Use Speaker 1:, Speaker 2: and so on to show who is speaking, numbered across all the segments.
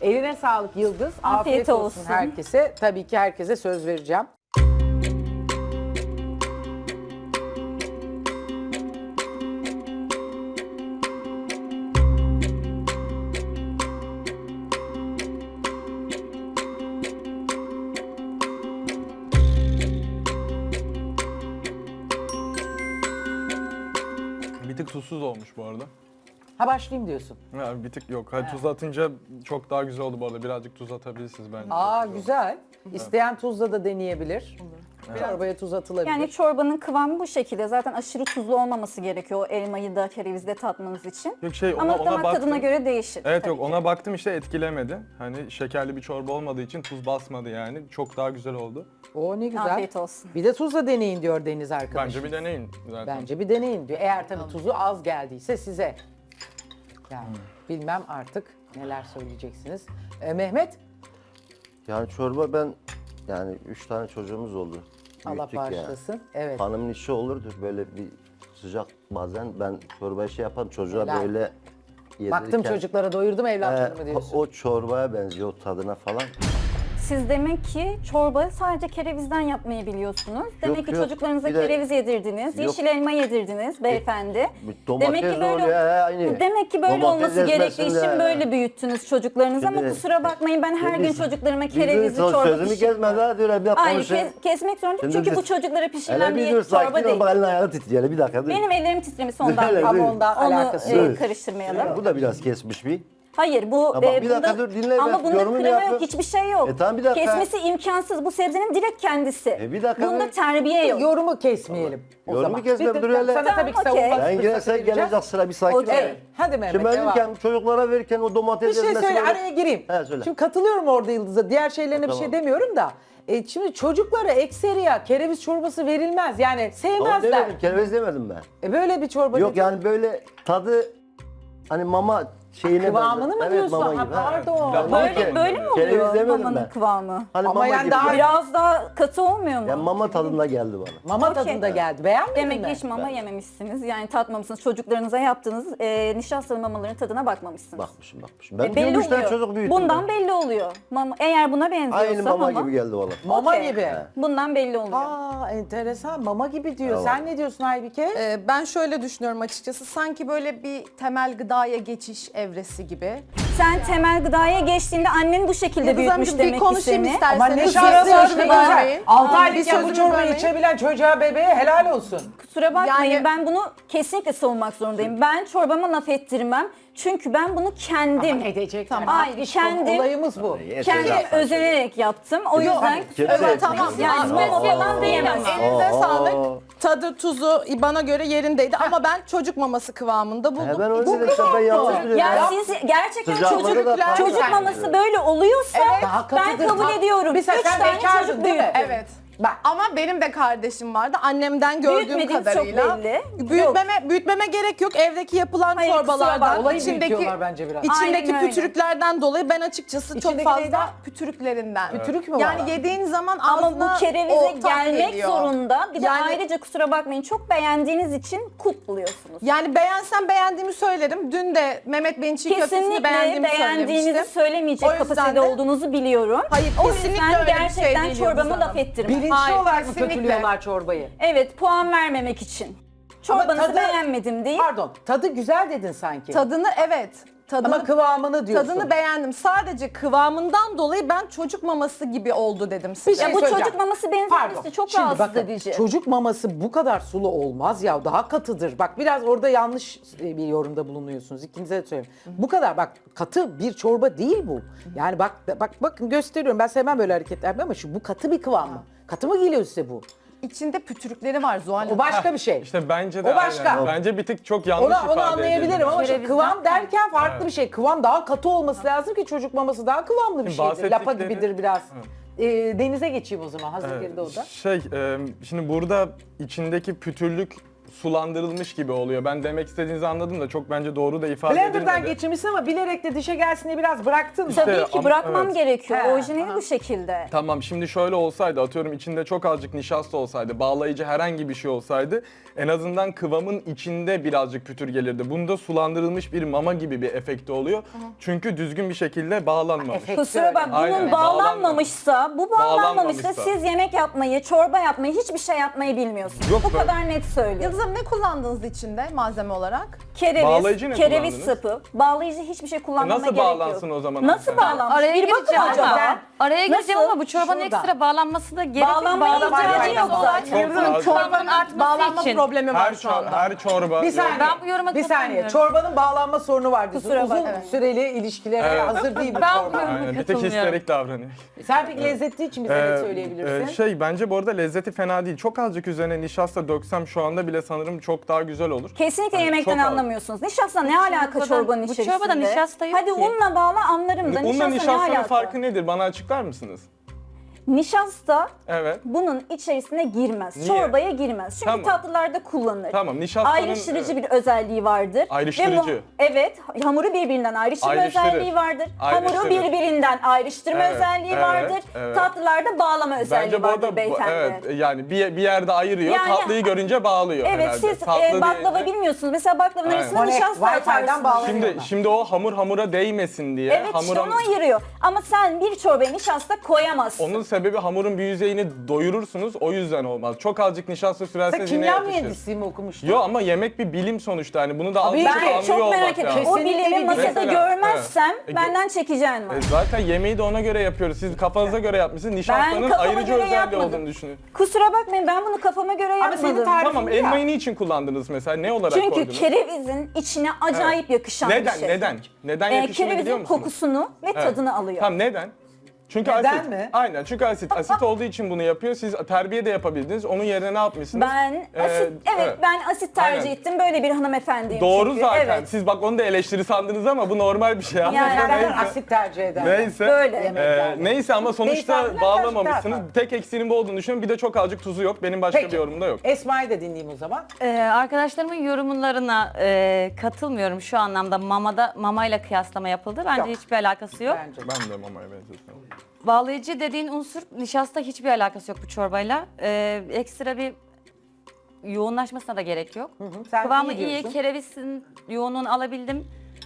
Speaker 1: Eline sağlık Yıldız.
Speaker 2: Afiyet olsun.
Speaker 1: herkese. Tabii ki herkese söz vereceğim.
Speaker 3: Bir tık tuzsuz olmuş bu arada.
Speaker 1: Ha başlayayım diyorsun.
Speaker 3: Ya bir tık yok. Hadi tuz atınca çok daha güzel oldu bu arada. Birazcık tuz atabilirsiniz bence.
Speaker 1: Aa
Speaker 3: Çok
Speaker 1: güzel. İsteyen tuzla da deneyebilir. Çorbaya tuz atılabilir.
Speaker 2: Yani çorbanın kıvamı bu şekilde. Zaten aşırı tuzlu olmaması gerekiyor o elmayı da kerevizde tatmanız için.
Speaker 3: Yok şey
Speaker 2: Ama
Speaker 3: ona
Speaker 2: damak
Speaker 3: baktım.
Speaker 2: tadına göre değişir.
Speaker 3: Evet
Speaker 2: tabii
Speaker 3: yok
Speaker 2: ki.
Speaker 3: ona baktım işte etkilemedi. Hani şekerli bir çorba olmadığı için tuz basmadı yani. Çok daha güzel oldu.
Speaker 1: O ne güzel.
Speaker 2: Afiyet olsun.
Speaker 1: Bir de tuzla deneyin diyor Deniz arkadaşım.
Speaker 3: Bence bir deneyin zaten.
Speaker 1: Bence bir deneyin diyor. Eğer tabii tuzu az geldiyse size. Yani bilmem artık neler söyleyeceksiniz. Mehmet,
Speaker 4: Yani çorba ben yani 3 tane çocuğumuz oldu.
Speaker 1: Allah
Speaker 4: Büyüttük
Speaker 1: bağışlasın. Evet.
Speaker 4: Hanımın işi olurdu böyle bir sıcak bazen ben çorbayı şey yapan çocuğa
Speaker 1: Helal.
Speaker 4: böyle
Speaker 1: Baktım
Speaker 4: yedirirken,
Speaker 1: çocuklara doyurdum evlatlarımı diyorsun.
Speaker 4: o çorbaya benziyor o tadına falan.
Speaker 2: Siz demek ki çorba sadece kerevizden yapmayı biliyorsunuz. Demek
Speaker 4: Yok,
Speaker 2: ki
Speaker 4: yok.
Speaker 2: çocuklarınıza
Speaker 4: Bir de-
Speaker 2: kereviz yedirdiniz,
Speaker 4: Yok.
Speaker 2: yeşil elma yedirdiniz beyefendi.
Speaker 4: Domates
Speaker 2: Demek ki böyle
Speaker 4: oluyor aynı.
Speaker 2: Demek ki böyle
Speaker 4: Domates
Speaker 2: olması gerektiği
Speaker 4: ezmesinde-
Speaker 2: için böyle büyüttünüz çocuklarınızı ama
Speaker 4: Şimdi-
Speaker 2: kusura bakmayın ben her gün
Speaker 4: Biz-
Speaker 2: çocuklarıma
Speaker 4: Bizim
Speaker 2: kerevizli çorba
Speaker 4: sözümü
Speaker 2: pişirmiyorum.
Speaker 4: gezmez ha diyor bir dakika
Speaker 2: Hayır
Speaker 4: konuşayım.
Speaker 2: kesmek zorunda
Speaker 4: Şimdi
Speaker 2: çünkü
Speaker 4: biz-
Speaker 2: bu çocuklara pişirilen
Speaker 4: Hele bir
Speaker 2: bir
Speaker 4: dur
Speaker 2: çorba
Speaker 4: sakin ol
Speaker 2: değil.
Speaker 4: bak elini ayağını titriyor hele bir dakika dur.
Speaker 2: Benim ellerim titremiş ondan.
Speaker 4: Hele,
Speaker 1: Ama
Speaker 4: dur.
Speaker 1: ondan
Speaker 2: Onu
Speaker 1: alakası yok.
Speaker 2: karıştırmayalım.
Speaker 4: Bu da biraz kesmiş bir.
Speaker 2: Hayır bu
Speaker 4: bak, bir dakika
Speaker 2: bunda,
Speaker 4: dur, dinle,
Speaker 2: ama
Speaker 4: ben
Speaker 2: bunda
Speaker 4: yorumumu
Speaker 2: krema
Speaker 4: yapayım.
Speaker 2: yok hiçbir şey yok.
Speaker 4: Tamam, bir dakika.
Speaker 2: Kesmesi imkansız bu sebzenin direkt kendisi.
Speaker 4: Bir dakika
Speaker 2: Bunda
Speaker 4: dur.
Speaker 2: terbiye yok.
Speaker 1: Yorumu kesmeyelim. O
Speaker 4: Yorumu
Speaker 1: zaman.
Speaker 4: kesmem,
Speaker 1: Bir-
Speaker 4: dur hele.
Speaker 1: Sana tabii ki
Speaker 2: Tamam, okey.
Speaker 1: savunma
Speaker 4: Ben
Speaker 1: fırsatı
Speaker 4: girerse
Speaker 1: vereceğim.
Speaker 4: gelecek sıra bir sakin ol.
Speaker 2: Okey.
Speaker 1: Hadi Mehmet
Speaker 4: Şimdi
Speaker 1: devam.
Speaker 4: verirken çocuklara verirken o domates
Speaker 1: Bir şey
Speaker 4: ezmesi
Speaker 1: söyle
Speaker 4: böyle-
Speaker 1: araya gireyim.
Speaker 4: He, söyle.
Speaker 1: Şimdi katılıyorum orada Yıldız'a. Diğer şeylerine bir şey
Speaker 4: Tamam.
Speaker 1: demiyorum da. Şimdi çocuklara ekseriya kereviz çorbası verilmez. Yani
Speaker 4: Ama
Speaker 1: sevmezler.
Speaker 4: demedim, kereviz demedim ben.
Speaker 1: Böyle bir çorba
Speaker 4: Yok
Speaker 1: değil.
Speaker 4: yani böyle tadı hani mama şeyine
Speaker 1: Kıvamını
Speaker 4: benzer.
Speaker 1: mı
Speaker 4: Evet,
Speaker 1: diyorsun?
Speaker 4: mama
Speaker 1: Ha,
Speaker 4: gibi.
Speaker 1: pardon.
Speaker 4: Yani
Speaker 2: Böyle mi
Speaker 4: kereviz
Speaker 2: oluyor
Speaker 4: demedim
Speaker 2: mamanın
Speaker 4: ben.
Speaker 2: kıvamı?
Speaker 4: Hani
Speaker 1: Ama
Speaker 4: mama
Speaker 1: yani
Speaker 4: gibi.
Speaker 1: daha-
Speaker 2: Biraz daha katı olmuyor mu?
Speaker 4: Yani mama tadında geldi bana.
Speaker 1: Mama
Speaker 2: Okey.
Speaker 1: tadında geldi. Beğenmedin
Speaker 2: Demek
Speaker 1: mi?
Speaker 2: ki hiç mama yememişsiniz. Yani tatmamışsınız. Çocuklarınıza yaptığınız nişastalı mamaların tadına bakmamışsınız.
Speaker 4: Bakmışım. Ben
Speaker 2: Belli
Speaker 4: 3 tane
Speaker 2: oluyor.
Speaker 4: çocuk büyüttüm.
Speaker 2: Bundan
Speaker 4: ben.
Speaker 2: belli oluyor. Mama, eğer buna benziyorsa
Speaker 4: Aynı mama gibi geldi bana.
Speaker 1: Mama
Speaker 2: Okey.
Speaker 1: gibi.
Speaker 2: Bundan belli oluyor.
Speaker 1: Aa enteresan. Mama gibi diyor.
Speaker 4: Tamam.
Speaker 1: Sen ne diyorsun Aybike?
Speaker 5: Ben şöyle düşünüyorum açıkçası. Sanki böyle bir temel gıdaya geçiş evresi gibi.
Speaker 2: Sen temel gıdaya geçtiğinde annen bu şekilde
Speaker 5: Yıldız
Speaker 2: büyütmüş
Speaker 5: Hanımcığım,
Speaker 2: demek
Speaker 5: bir
Speaker 2: ki
Speaker 5: konuşayım
Speaker 2: seni.
Speaker 5: isterseniz.
Speaker 1: Ama ne
Speaker 5: Bir
Speaker 1: şansı
Speaker 5: sözümü
Speaker 1: işte güzel.
Speaker 5: bölmeyin.
Speaker 1: 6
Speaker 5: Bir
Speaker 1: aylıkken bu
Speaker 5: sözümü
Speaker 1: çorbayı
Speaker 5: bölmeyin.
Speaker 1: içebilen çocuğa bebeğe helal olsun.
Speaker 2: Kusura bakmayın
Speaker 5: Yani-
Speaker 2: ben bunu kesinlikle savunmak zorundayım. Ben çorbama laf ettirmem. Çünkü ben bunu kendim,
Speaker 1: Edecekler.
Speaker 2: Hayır,
Speaker 1: İşte
Speaker 2: kendim-
Speaker 1: olayımız bu.
Speaker 2: kendim özelerek yaptım. O yüzden
Speaker 4: Kimse-
Speaker 5: Evet tamam.
Speaker 2: yani
Speaker 5: Aa,
Speaker 2: mama falan diyemem.
Speaker 5: Elinize
Speaker 4: Aa.
Speaker 5: sağlık. Tadı, tuzu bana göre yerindeydi ama ben çocuk maması kıvamında buldum.
Speaker 4: Ben öyle dedim işte ben yanlış biliyorum.
Speaker 2: Ya siz gerçekten
Speaker 4: Sıcakları da
Speaker 2: çocuk
Speaker 4: tam
Speaker 2: maması
Speaker 4: yani.
Speaker 2: böyle oluyorsa
Speaker 1: Daha
Speaker 2: ben
Speaker 1: katıdır,
Speaker 2: kabul
Speaker 1: tam-
Speaker 2: ediyorum.
Speaker 1: Mesela
Speaker 2: 3
Speaker 1: sen
Speaker 2: tane
Speaker 1: bekardın
Speaker 2: çocuk
Speaker 1: değil mi?
Speaker 2: büyüttüm.
Speaker 5: Evet.
Speaker 1: Bak.
Speaker 5: Ama benim de kardeşim vardı. Annemden gördüğüm
Speaker 2: Büyütmediğiniz çok
Speaker 5: kadarıyla.
Speaker 2: belli.
Speaker 5: Büyütmeme gerek yok. Evdeki yapılan
Speaker 2: Hayır, kusura
Speaker 5: çorbalardan,
Speaker 2: bakma.
Speaker 1: Olayı büyütüyorlar bence biraz.
Speaker 5: içindeki
Speaker 2: Aynen öyle.
Speaker 5: pütürüklerden dolayı ben açıkçası çok
Speaker 1: İçindeki
Speaker 5: fazla
Speaker 1: neyden?
Speaker 5: pütürüklerinden.
Speaker 1: Pütürük mü var?
Speaker 5: Yani yediğin zaman
Speaker 2: Ama
Speaker 5: ağzına
Speaker 2: bu kerevize
Speaker 5: o tat
Speaker 2: gelmek
Speaker 5: geliyor.
Speaker 2: zorunda. Bir de
Speaker 5: Yani-
Speaker 2: ayrıca kusura bakmayın çok beğendiğiniz için kulp buluyorsunuz.
Speaker 5: Yani beğensem beğendiğimi söylerim. Dün de Mehmet Bey'in çiğ köftesini
Speaker 2: Kesinlikle
Speaker 5: beğendiğimi
Speaker 2: beğendiğinizi
Speaker 5: söylemiştim.
Speaker 2: söylemeyecek
Speaker 5: O yüzden
Speaker 2: kapasitede
Speaker 5: de-
Speaker 2: olduğunuzu biliyorum.
Speaker 5: Hayır,
Speaker 2: O
Speaker 5: kesinlikle
Speaker 2: yüzden
Speaker 5: öyle bir şey
Speaker 2: gerçekten
Speaker 5: değil
Speaker 2: çorbama
Speaker 5: Yıldız
Speaker 2: laf
Speaker 5: Hanım.
Speaker 2: ettirmem.
Speaker 1: Bilinçli
Speaker 5: Hayır,
Speaker 1: olarak mı
Speaker 5: kesinlikle.
Speaker 1: kötülüyorlar çorbayı?
Speaker 2: Evet puan vermemek için. Çorbanızı
Speaker 1: tadı-
Speaker 2: beğenmedim değil.
Speaker 1: Pardon, tadı güzel dedin sanki.
Speaker 5: Tadını evet.
Speaker 1: Ama kıvamını diyorsun.
Speaker 5: Tadını beğendim. Sadece kıvamından dolayı ben çocuk maması gibi oldu dedim size.
Speaker 1: Bir şey
Speaker 2: Ya bu
Speaker 1: söyleyeceğim.
Speaker 2: çocuk maması
Speaker 1: Pardon.
Speaker 2: benzemesi çok
Speaker 1: Şimdi
Speaker 2: rahatsız
Speaker 1: bakın,
Speaker 2: edici.
Speaker 1: çocuk maması bu kadar sulu olmaz ya, daha katıdır. Bak biraz orada yanlış bir yorumda bulunuyorsunuz. İkinize de söyleyeyim. Bu kadar bak katı bir çorba değil bu. Yani bakın gösteriyorum. Ben sevmem böyle hareketler ama bu katı bir kıvam mı? Katı mı geliyor size bu?
Speaker 5: İçinde pütürükleri var Zuhal
Speaker 1: O
Speaker 5: Hanım.
Speaker 1: başka bir şey.
Speaker 3: İşte bence de
Speaker 1: O başka.
Speaker 3: aynen. Bence bir tık çok yanlış
Speaker 1: Onu
Speaker 3: ifade
Speaker 1: anlayabilirim
Speaker 3: edildi.
Speaker 1: ama şu
Speaker 2: Kerevizden-
Speaker 1: kıvam derken farklı bir şey. Kıvam daha katı olması lazım ki çocuk maması daha kıvamlı bir
Speaker 3: Şimdi
Speaker 1: şeydir. Lapa
Speaker 3: bahsettikleri-
Speaker 1: gibidir biraz. Denize geçeyim o zaman hazır geride o da.
Speaker 3: Şimdi burada içindeki pütürlük sulandırılmış gibi oluyor. Ben demek istediğinizi anladım da çok bence doğru da ifade
Speaker 1: Blender'dan
Speaker 3: edilmedi.
Speaker 1: geçirmişsin ama bilerek de dişe gelsin diye biraz bıraktın mı?
Speaker 2: Tabii ki
Speaker 3: ama-
Speaker 2: bırakmam
Speaker 3: evet.
Speaker 2: gerekiyor.
Speaker 1: He.
Speaker 2: Orijinali bu şekilde.
Speaker 3: Tamam, şimdi şöyle olsaydı, atıyorum içinde çok azıcık nişasta olsaydı, bağlayıcı herhangi bir şey olsaydı en azından kıvamın içinde birazcık pütür gelirdi. Bunda sulandırılmış bir mama gibi bir efekti oluyor. Çünkü düzgün bir şekilde bağlanmamış.
Speaker 1: Efekt.
Speaker 2: Kusura bak, bunun
Speaker 3: Aynen.
Speaker 2: bağlanmamışsa, bu bağlanmamışsa
Speaker 3: Bağlanmamışsa.
Speaker 2: siz yemek yapmayı, çorba yapmayı, hiçbir şey yapmayı bilmiyorsunuz.
Speaker 3: Yok
Speaker 2: bu
Speaker 3: böyle-
Speaker 2: kadar net söylüyorum.
Speaker 5: Yıldız Hanım ne kullandınız içinde malzeme olarak?
Speaker 2: Kereviz,
Speaker 3: Bağlayıcı ne
Speaker 2: kereviz
Speaker 3: kullandınız?
Speaker 2: sapı, bağlayıcı hiçbir şey kullanmama
Speaker 3: Nasıl
Speaker 2: gerek yok.
Speaker 3: bağlansın o zaman
Speaker 2: Nasıl
Speaker 3: hanımefendi?
Speaker 2: bağlanmış?
Speaker 6: Araya
Speaker 2: Bir bakın
Speaker 6: gireceğim
Speaker 2: acaba.
Speaker 6: ama. Araya gireceğim
Speaker 2: Nasıl?
Speaker 6: ama bu çorbanın
Speaker 1: Şuradan.
Speaker 6: ekstra bağlanması da gerekli.
Speaker 2: Bağlanmaya ihtiyacı yok zaten.
Speaker 3: Çok
Speaker 5: Yıldız Hanım
Speaker 3: az.
Speaker 5: çorbanın
Speaker 6: Artması
Speaker 5: bağlanma
Speaker 6: için.
Speaker 5: problemi var şu anda.
Speaker 3: Her çorba...
Speaker 1: Bir saniye.
Speaker 6: Ben bu yoruma
Speaker 1: bir saniye.
Speaker 6: katılmıyorum.
Speaker 1: Çorbanın bağlanma sorunu var diyorsun.
Speaker 2: Kusura
Speaker 1: Uzun
Speaker 2: bakma.
Speaker 1: süreli ilişkilere
Speaker 3: Evet.
Speaker 1: hazır değil bu
Speaker 6: Ben
Speaker 1: çorba.
Speaker 6: bu yoruma
Speaker 3: Aynen, bir tek
Speaker 6: katılmıyorum.
Speaker 3: histerik davranıyor.
Speaker 1: Sen peki lezzetli için bize ne söyleyebilirsin?
Speaker 3: Bence bu arada lezzeti fena değil. Çok azıcık üzerine nişasta döksem şu anda bile sanırım çok daha güzel olur.
Speaker 2: Kesinlikle
Speaker 3: Yani
Speaker 2: yemekten
Speaker 3: çok az.
Speaker 2: anlamıyorsunuz. Nişasta ne alaka
Speaker 6: çorbadan-
Speaker 2: çorbanın
Speaker 6: bu
Speaker 2: içerisinde?
Speaker 6: çorbada nişasta yok
Speaker 2: Hadi
Speaker 6: ki.
Speaker 2: unla bağla anlarım da
Speaker 3: Unla
Speaker 2: nişasta ne
Speaker 3: nişastanın
Speaker 2: alaka?
Speaker 3: farkı nedir? Bana açıklar mısınız?
Speaker 2: Nişasta
Speaker 3: Evet.
Speaker 2: bunun içerisine girmez.
Speaker 3: Niye?
Speaker 2: Çorbaya girmez. Çünkü
Speaker 3: Tamam.
Speaker 2: tatlılarda kullanılır.
Speaker 3: Tamam, nişastanın...
Speaker 2: Ayrıştırıcı bir özelliği vardır.
Speaker 3: Ayrıştırıcı.
Speaker 2: Evet, hamuru birbirinden ayrıştırma
Speaker 3: Ayrıştırır.
Speaker 2: özelliği vardır. Hamuru
Speaker 3: Ayrıştırır.
Speaker 2: birbirinden ayrıştırma
Speaker 3: Evet,
Speaker 2: özelliği
Speaker 3: evet,
Speaker 2: vardır.
Speaker 3: evet.
Speaker 2: Tatlılarda bağlama özelliği
Speaker 3: Bence bu
Speaker 2: vardır
Speaker 3: arada
Speaker 2: beyefendi.
Speaker 3: evet, yani bir yerde ayırıyor,
Speaker 2: Yani-
Speaker 3: tatlıyı görünce bağlıyor
Speaker 2: Evet,
Speaker 3: herhalde.
Speaker 2: siz
Speaker 3: Tatlı
Speaker 2: baklava
Speaker 3: deyince-
Speaker 2: bilmiyorsunuz. Mesela baklavanın
Speaker 3: Aynen.
Speaker 2: arasına nişasta
Speaker 1: Wi-Fi'den
Speaker 2: atarsınız.
Speaker 1: bağlanıyor.
Speaker 3: Şimdi o hamura değmesin diye.
Speaker 2: Evet, işte onu ayırıyor. Ama sen bir çorbaya nişasta koyamazsın.
Speaker 3: Onun sebebi hamurun bir yüzeyini doyurursunuz, o yüzden olmaz. Çok azıcık nişasta
Speaker 1: Sen
Speaker 3: sürerseniz yine
Speaker 1: kimya
Speaker 3: yetişir.
Speaker 1: mühendisliği mi okumuştun?
Speaker 3: Yo, ama yemek bir bilim sonuçta, hani bunu da
Speaker 1: Tabii
Speaker 3: azıcık
Speaker 1: ki.
Speaker 2: Ben
Speaker 3: anlıyor
Speaker 2: çok
Speaker 3: olmak
Speaker 2: merak ediyorum.
Speaker 3: lazım.
Speaker 2: O
Speaker 1: Kesinlikle
Speaker 2: bilimi
Speaker 1: bir
Speaker 2: masada
Speaker 3: Mesela,
Speaker 2: görmezsem
Speaker 3: evet.
Speaker 2: benden çekeceğin var.
Speaker 3: Zaten yemeği de ona göre yapıyoruz. Siz kafanıza göre yapmışsınız. Nişastanın
Speaker 2: kafama
Speaker 3: ayrıcı
Speaker 2: göre
Speaker 3: özelliği
Speaker 2: yapmadım.
Speaker 3: olduğunu düşünün.
Speaker 2: Kusura bakmayın, ben bunu kafama göre
Speaker 1: Ama
Speaker 2: yapmadım.
Speaker 1: senin tarifin
Speaker 3: Tamam,
Speaker 1: ya.
Speaker 3: elmayı niçin kullandınız mesela? Ne olarak
Speaker 2: Çünkü
Speaker 3: koydunuz?
Speaker 2: kerevizin içine acayip yakışan
Speaker 3: Neden?
Speaker 2: bir şey.
Speaker 3: Neden? Neden yakışını biliyor
Speaker 2: Kerevizin
Speaker 3: musunuz?
Speaker 2: kokusunu ve
Speaker 3: Evet.
Speaker 2: tadını alıyor.
Speaker 3: Tamam, neden? Çünkü
Speaker 1: Neden
Speaker 3: asit.
Speaker 1: mi?
Speaker 3: Aynen, çünkü asit. Asit olduğu için bunu yapıyor. Siz terbiye de yapabildiniz. Onun yerine ne yapmışsınız?
Speaker 2: Ben
Speaker 3: Ee,
Speaker 2: asit, ben asit tercih
Speaker 3: Aynen.
Speaker 2: ettim. Böyle bir hanımefendiyim
Speaker 3: Doğru
Speaker 2: çünkü.
Speaker 3: zaten.
Speaker 2: Evet.
Speaker 3: Siz bak onu da eleştiri sandınız ama bu normal bir şey.
Speaker 2: Yani
Speaker 1: Ben
Speaker 3: neyse.
Speaker 1: asit tercih ederim.
Speaker 3: Neyse.
Speaker 2: Böyle.
Speaker 1: Yemeklerde.
Speaker 3: Neyse ama sonuçta
Speaker 1: Beyefendiler
Speaker 3: bağlamamışsınız.
Speaker 1: karşı
Speaker 3: Tek eksiğinin bu olduğunu düşünüyorum. Bir de çok azıcık tuzu yok. Benim başka
Speaker 1: Peki.
Speaker 3: bir yorumum da yok.
Speaker 1: Esma'yı da dinleyeyim o zaman.
Speaker 6: Arkadaşlarımın yorumlarına katılmıyorum şu anlamda. Mamayla kıyaslama yapıldı. Bence
Speaker 1: Yok.
Speaker 6: hiçbir alakası yok.
Speaker 1: Bence.
Speaker 3: Ben de mamaya benzetiyorum.
Speaker 6: Bağlayıcı dediğin unsur nişasta hiçbir alakası yok bu çorbayla. Ekstra bir yoğunlaşmasına da gerek yok.
Speaker 1: Sen
Speaker 6: Kıvamı
Speaker 1: iyi
Speaker 6: iyi,
Speaker 1: diyorsun.
Speaker 6: kerevizin yoğunluğunu alabildim.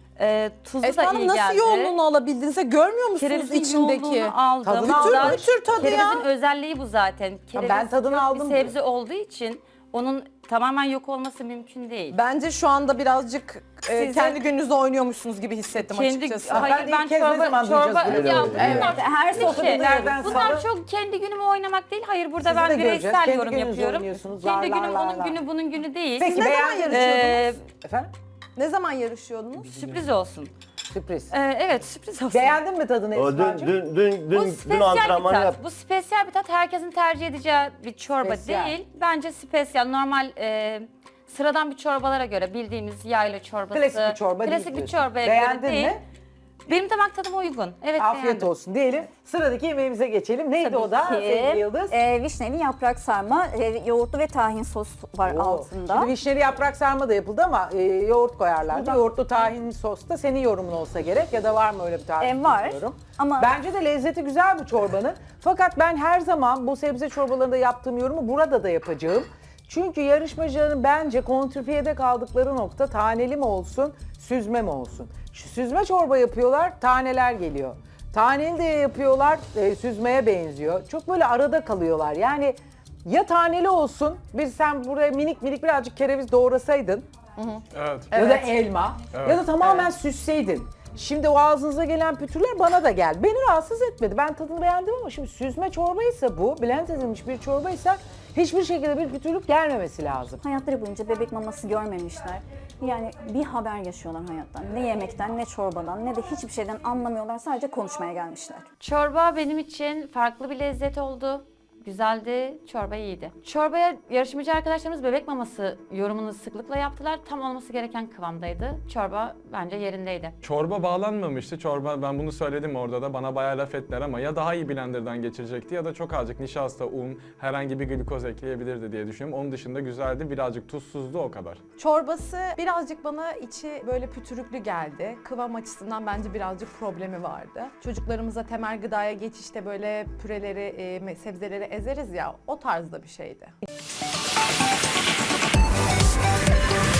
Speaker 6: Tuzu
Speaker 5: Esma
Speaker 6: da
Speaker 5: Hanım
Speaker 6: iyi
Speaker 5: nasıl
Speaker 6: geldi.
Speaker 5: yoğunluğunu alabildiniz? Görmüyor musunuz
Speaker 6: Kerevizin
Speaker 5: içindeki?
Speaker 6: yoğunluğunu aldım.
Speaker 1: Tadını
Speaker 6: Daha-
Speaker 1: aldın.
Speaker 5: Pütür tadı ya.
Speaker 6: Kerevizin özelliği bu zaten. Kereviz
Speaker 1: ben tadını
Speaker 6: kök
Speaker 1: aldım
Speaker 6: bir sebze olduğu için onun tamamen yok olması mümkün değil.
Speaker 5: Bence şu anda birazcık
Speaker 6: Size-
Speaker 5: kendi gününüzü oynuyormuşsunuz gibi hissettim açıkçası.
Speaker 1: Ben
Speaker 6: hayır
Speaker 1: de
Speaker 6: ben
Speaker 1: ilk kez ne zaman duyacağız böyle?
Speaker 6: ya
Speaker 4: Evet.
Speaker 6: bunlar
Speaker 2: Her sofrada
Speaker 1: Nereden
Speaker 6: bunlar
Speaker 1: sonra-
Speaker 6: çok kendi günümü oynamak değil. Hayır burada
Speaker 1: Sizi de
Speaker 6: ben
Speaker 1: göreceğiz.
Speaker 6: bireysel
Speaker 1: Kendi
Speaker 6: yorum
Speaker 1: gününüzü
Speaker 6: yapıyorum.
Speaker 1: oynuyorsunuz.
Speaker 6: Kendi
Speaker 1: Lar, lar,
Speaker 6: günüm
Speaker 1: lar,
Speaker 6: onun
Speaker 1: lar.
Speaker 6: günü bunun günü değil.
Speaker 1: Peki
Speaker 5: ne zaman
Speaker 1: beğendiniz?
Speaker 5: yarışıyordunuz?
Speaker 1: Efendim?
Speaker 5: Ne zaman yarışıyordunuz?
Speaker 6: Sürpriz olsun.
Speaker 1: Sürpriz.
Speaker 6: Evet sürpriz olsun.
Speaker 1: Beğendin mi tadını
Speaker 4: O
Speaker 1: Esma'cığım?
Speaker 6: Bu
Speaker 4: dün
Speaker 6: spesiyel bir
Speaker 4: antrenman
Speaker 6: tat.
Speaker 4: yap.
Speaker 6: Bu spesiyel bir tat. Herkesin tercih edeceği bir çorba
Speaker 1: Spesiyel.
Speaker 6: değil. Bence spesiyel. Normal sıradan bir çorbalara göre bildiğimiz yayla çorbası.
Speaker 1: Klasik bir çorba değil
Speaker 6: Klasik bir
Speaker 1: diyorsun.
Speaker 6: çorbaya
Speaker 1: Beğendin
Speaker 6: göre değil.
Speaker 1: mi?
Speaker 6: Benim damak tadıma uygun. Evet
Speaker 1: Afiyet
Speaker 6: beğendim.
Speaker 1: olsun diyelim. Sıradaki yemeğimize geçelim. Neydi
Speaker 2: Tabii
Speaker 1: o da
Speaker 2: ki.
Speaker 1: sevgili Yıldız?
Speaker 2: Vişneli yaprak sarma, yoğurtlu ve tahin sos var
Speaker 1: Oo.
Speaker 2: altında.
Speaker 1: Şimdi vişneli yaprak sarma da yapıldı ama yoğurt koyarlardı. Yoğurtlu tahinli sos da senin yorumun olsa gerek ya da var mı öyle bir tarif?
Speaker 2: Var
Speaker 1: bilmiyorum.
Speaker 2: ama
Speaker 1: Bence de lezzeti güzel bu çorbanın. Fakat ben her zaman bu sebze çorbalarında yaptığım yorumu burada da yapacağım. Çünkü yarışmacıların bence kontrpiyede kaldıkları nokta taneli mi olsun, süzme mi olsun? Şu süzme çorba yapıyorlar, taneler geliyor. Taneli de yapıyorlar, süzmeye benziyor. Çok böyle arada kalıyorlar. Yani ya taneli olsun, sen buraya minik minik birazcık kereviz doğrasaydın
Speaker 3: Evet.
Speaker 1: ya da elma ya da tamamen süsseydin. Şimdi o ağzınıza gelen pütürler bana da geldi. Beni rahatsız etmedi. Ben tadını beğendim ama şimdi süzme çorbaysa bu, blend edilmiş bir çorbaysa hiçbir şekilde bir pütürlük gelmemesi lazım.
Speaker 2: hayatları boyunca bebek maması görmemişler. Yani bir haber yaşıyorlar hayattan. Ne yemekten, ne çorbadan, ne de hiçbir şeyden anlamıyorlar. Sadece konuşmaya gelmişler.
Speaker 6: Çorba benim için farklı bir lezzet oldu. güzeldi, çorba iyiydi. Çorbaya yarışmacı arkadaşlarımız bebek maması yorumunu sıklıkla yaptılar. Tam olması gereken kıvamdaydı. Çorba bence yerindeydi.
Speaker 3: Çorba bağlanmamıştı. Çorba, ben bunu söyledim orada da, bana bayağı laf ettiler ama ya daha iyi blenderdan geçirecekti ya da çok azıcık nişasta, un, herhangi bir glikoz ekleyebilirdi diye düşünüyorum. Onun dışında güzeldi, birazcık tuzsuzdu, o kadar.
Speaker 5: Çorbası birazcık bana içi böyle pütürüklü geldi. Kıvam açısından bence birazcık problemi vardı. Çocuklarımıza temel gıdaya geçişte böyle püreleri, sebzeleri ezeriz ya, o tarzda bir şeydi.